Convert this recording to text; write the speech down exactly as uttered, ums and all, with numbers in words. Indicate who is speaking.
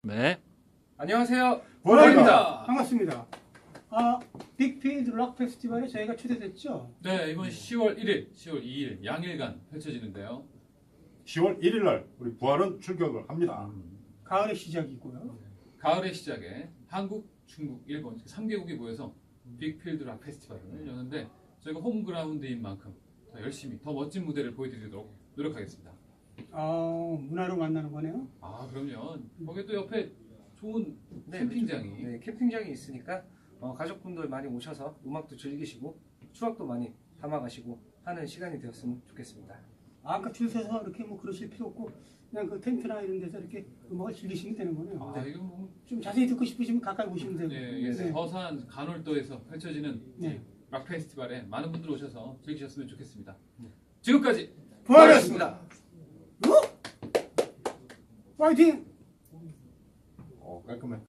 Speaker 1: 네.
Speaker 2: 안녕하세요.
Speaker 3: 부활입니다.
Speaker 4: 반갑습니다. 아, 빅필드 락 페스티벌에 저희가 초대됐죠?
Speaker 1: 네, 이번 시월 일일, 시월 이일 양일간 펼쳐지는데요.
Speaker 3: 시월 일일 날 우리 부활은 출격을 합니다.
Speaker 4: 가을의 시작이고요.
Speaker 1: 가을의 시작에 한국, 중국, 일본 삼 개국이 모여서 빅필드 락 페스티벌을 여는데 저희가 홈그라운드인 만큼 더 열심히 더 멋진 무대를 보여드리도록 노력하겠습니다.
Speaker 4: 아, 문화로 만나는 거네요.
Speaker 1: 아, 그럼요. 거기 또 옆에 좋은
Speaker 2: 네,
Speaker 1: 캠핑장이
Speaker 2: 네, 캠핑장이 있으니까 어, 가족분들 많이 오셔서 음악도 즐기시고 추억도 많이 담아가시고 하는 시간이 되었으면 좋겠습니다.
Speaker 4: 아까 줄 서서 이렇게 뭐 그러실 필요 없고 그냥 그 텐트나 이런 데서 이렇게 음악을 즐기시면 되는 거네요.
Speaker 1: 아, 이거 뭐
Speaker 4: 좀 자세히 듣고 싶으시면 가까이 오시면 되고.
Speaker 1: 네, 이게
Speaker 4: 네.
Speaker 1: 서산 간월도에서 펼쳐지는
Speaker 4: 네.
Speaker 1: 락 페스티벌에 많은 분들 오셔서 즐기셨으면 좋겠습니다. 지금까지
Speaker 4: 부활이었습니다. 파이팅!
Speaker 3: 어, 깔끔해.